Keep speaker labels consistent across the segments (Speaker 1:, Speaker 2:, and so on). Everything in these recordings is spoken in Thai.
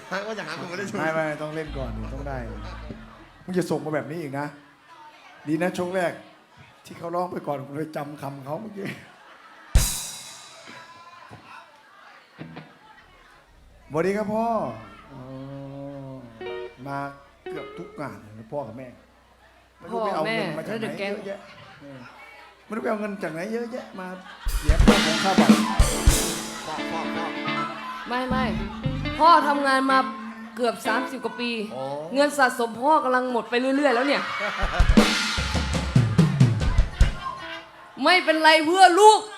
Speaker 1: ว่าจะหาคนมาเล่นช่วย
Speaker 2: ไม่ต้องเล่นก่อนต้องได้มึงจะส่งมาแบบนี้อีกนะดีนะช่วงแรกที่เขาร้องไปก่อนผมเลยจำคำเขาเมื่อกี้สวัสดีครับพ่อมาเกือบทุกงานเลยพ่อกับแม่ไม่รู้ไปเอาเงินมาจากไหนเยอะแยะไม่รู้ไปเอาเงินจากไหนเยอะแยะมาเสียค่าของค่าบัตร
Speaker 3: ไม่พ่อทำงานมาเกือบ30 กว่าปี เงินสะสมพ่อกำลังหมดไปเรื่อยๆแล้วเนี่ย ไม่เป็นไรเพื่อลูก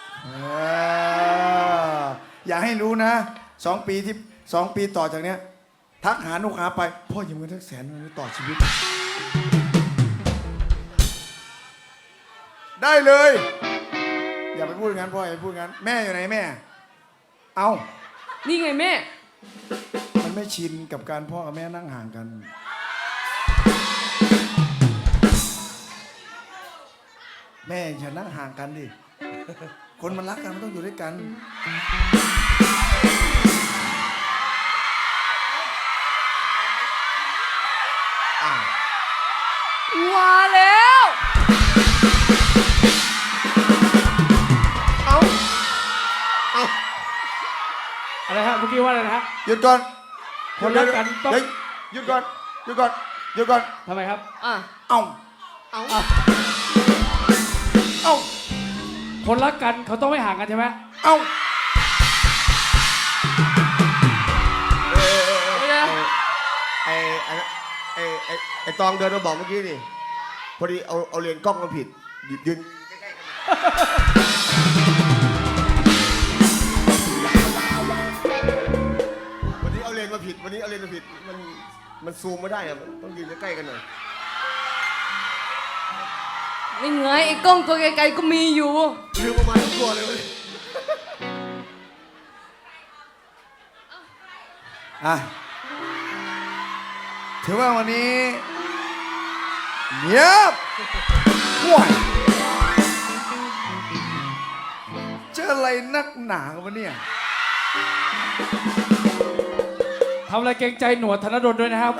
Speaker 2: อย่าให้รู้นะ2 ปีต่อจากเนี้ยทักหาลูกค้าไปพ่อยืมเงินทัก100,000ต่อชีวิตได้เลยอย่าไปพูดงั้นพ่ออย่าไปพูดงั้นแม่อยู่ไหนแม่เอา
Speaker 3: นี่ไงแม่
Speaker 2: มันไม่ชินกับการพ่อกับแม่นั่งห่างกันแม่อย่านั่งห่างกันดิคนมันรักกันมันต้องอยู่ด้วยกัน
Speaker 3: ว่าแล้ว
Speaker 4: อะไรฮะเมื่อกี้ว่าอะไรนะฮะ
Speaker 2: หยุดก่อน
Speaker 4: คนรักกันต้อง
Speaker 2: หยุดก่อน
Speaker 4: ทำไมครับ
Speaker 2: เอา
Speaker 4: คนรักกันเขาต้องไม่ห่างกันใช่ไหม
Speaker 1: ไอ้ตองเดินมาบอกเมื่อกี้นี่พอดีเอาเลนกล้องมาผิดยืนวันนี้เอาเลนมาผิดมันซูมไม่ได้อะต้องยืนใกล้ๆกันหน่อย
Speaker 3: นี่ไงไอ้กล้องตัวไกลๆก็มีอยู่
Speaker 1: ลืมประมาณทุกตัวเลยวันนี้
Speaker 2: ถือว่าวันนี้เงียบห่วยเจออะไรนักหนากันวะเนี่ย
Speaker 4: ทำอะไรเกรงใจหนวดธนดลด้วยนะครับ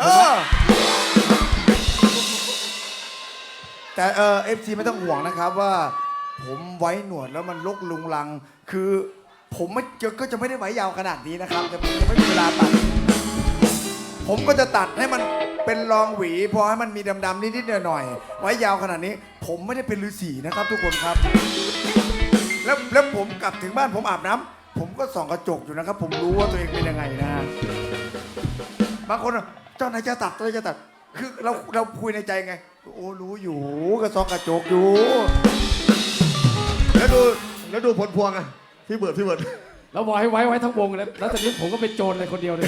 Speaker 2: แต่FC ไม่ต้องห่วงนะครับว่าผมไว้หนวดแล้วมันลกลุงลังคือผมก็จะไม่ได้ไว้ยาวขนาดนี้นะครับแต่ผมไม่มีเวลาตัดผมก็จะตัดให้มันเป็นรองหวีพอให้มันมีดำๆนิดๆหน่อยๆไว้ยาวขนาดนี้ผมไม่ได้เป็นฤาษีนะครับทุกคนครับแล้วผมกลับถึงบ้านผมอาบน้ำผมก็ส่องกระจกอยู่นะครับผมรู้ว่าตัวเองเป็นยังไงนะบางคนเจ้านายจะตัดคือเราคุยในใจไงโอ้รู้อยู่ก็ส่องกระจกอยู่
Speaker 1: แล้วดูผลพวงอะพี่เบิร์ด
Speaker 4: แล้วบอกให้ไว้ทั้งวงแล้วตอนนี้ผมก็เป็นโจรเลยคนเดียวเลย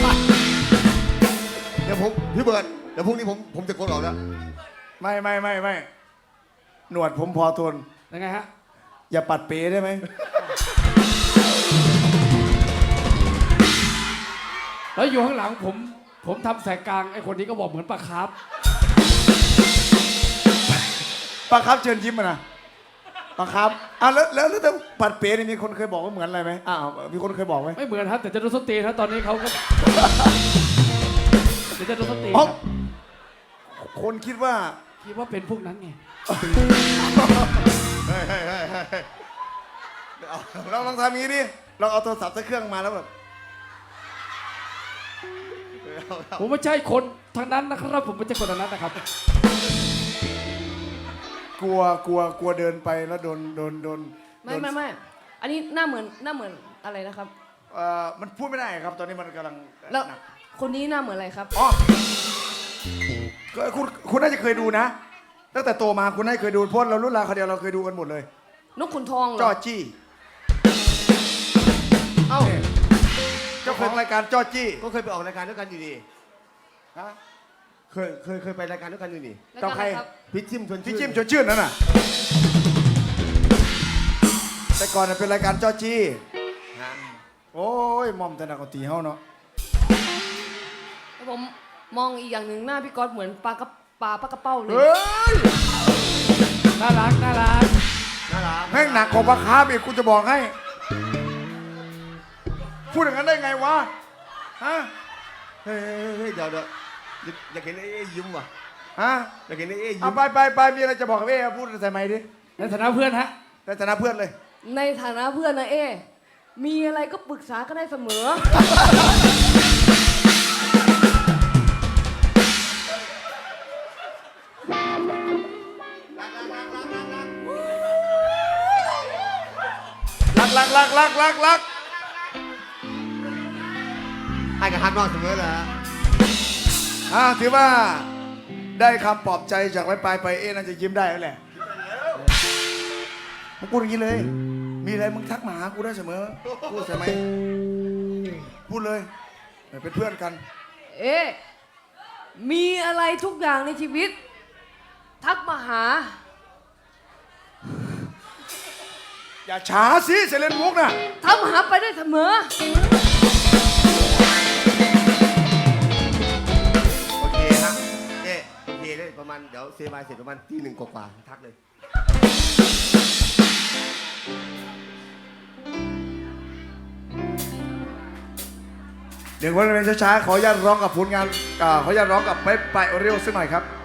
Speaker 1: เดี๋ยวพี่เบิร์ดเดี๋ยวพรุ่งนี้ผมจะโกนออกแล้ว
Speaker 2: ไม่หนวดผมพอทน
Speaker 4: ยังไงฮะ
Speaker 2: อย่าปัดเป๋ได้ไหม
Speaker 4: แล้วอยู่ข้างหลังผมทำแสกกลางไอ้คนนี้ก็บอกเหมือนปลาคาร์ฟ
Speaker 2: เชิญยิ้มมานะปลาคาร์ฟแล้วถ้าปัดเป๋นี่มีคนเคยบอกว่าเหมือนอะไรไหมมีคนเคยบอกไหม
Speaker 4: ไม่เหมือนครับแต่จะโดนส้นตีนครับตอนนี้เขาก็จะโดนส้นตีน
Speaker 2: คนคิดว่า
Speaker 4: เป็นพวกนั้นไง
Speaker 2: เราลองทำอย่างนี้ดิเราเอาโทรศัพท์ใส่เครื่องมาแล้วแบบ
Speaker 4: ผมไม่ใช่คนทางนั้นนะครับผมไม่ใช่คนทางนั้นนะครับ
Speaker 2: กลัวเดินไปแล้วโดน
Speaker 3: ไม่อันนี้หน้าเหมือนอะไรนะครับ
Speaker 2: มันพูดไม่ได้ครับตอนนี้มันกำลัง
Speaker 3: แล้วคนนี้หน้าเหมือนอะไรครับ
Speaker 2: คุณน่าจะเคยดูนะตั้งแต่โตมาคุณน่าจะเคยดูเพราะเรารุ่นราวเขาเดียวเราเคยดูกันหมดเลย
Speaker 3: นกขุนทองเหรอ
Speaker 2: จ้อจี้เจ้าของรายการจ้อจี้
Speaker 1: ก็เคยไปออกรายการด้วยกันอยู่ดีฮะเคยไปรายการด้วยกันอยู่นี่
Speaker 2: ต่อใคร
Speaker 1: พี่จิ้มชวน
Speaker 2: ชื่นนั่นน่ะแต่ก่อนเป็นรายการจ้อจี้โอ้ยมอมแต่นักตีเฮาเนาะ
Speaker 3: ผมมองอีกอย่างหนึ่งหน้าพี่ก๊อตเหมือนปลากระเป้าเลย
Speaker 4: น่ารัก
Speaker 2: แม่งหนักกว่าปลาคาร์ฟอีกคุณจะบอกให้พูดอย่างนั้นได้ไงวะฮะ
Speaker 1: เฮ้ยเดี๋ยวอยากเห็นไอ้เอ๊ยิ้มว่ะ
Speaker 2: ฮะ
Speaker 1: อยากเห็นไอ้เอ๊ยิ้
Speaker 2: เอา
Speaker 1: ม
Speaker 2: ไปมีอะไรจะบอกกับเอ๊พูดใส่ไมค์ดิ
Speaker 4: ในฐานะเพื่อนฮะ
Speaker 2: ในฐานะเพื่อนเลย
Speaker 3: ในฐานะเพื่อนนะเอ มีอะไรก็ปรึกษาก็ได้เสมอ
Speaker 2: รัก
Speaker 1: ให้กับฮันนอนเสมอเลยฮะ
Speaker 2: ถือว่าได้คำปลอบใจจากไว้ไปเอ๊น่าจะยิ้มได้แล้วแหละมึงพูดอย่างนี้เลย มีอะไรมึงทักมาหากูได้เสมอพูดใช่ไหมพูดเลยเป็นเพื่อนกัน
Speaker 3: เอ มีอะไรทุกอย่างในชีวิต ทักมาหา
Speaker 2: อย่าช้าสิเซเลนมุกน่ะ
Speaker 3: ทักมาหาไปได้เสมอ
Speaker 1: โอเคฮะเอ๊โอเคเลยประมาณเดี๋ยวเซบายเสร็จประมาณที่ 1กว่าๆทักเลย
Speaker 2: เดี๋ยววันเป็นช้าๆขออนุญาตร้องกับผลงานขออนุญาตร้องกับไปโอเรียวสักหน่อยครับ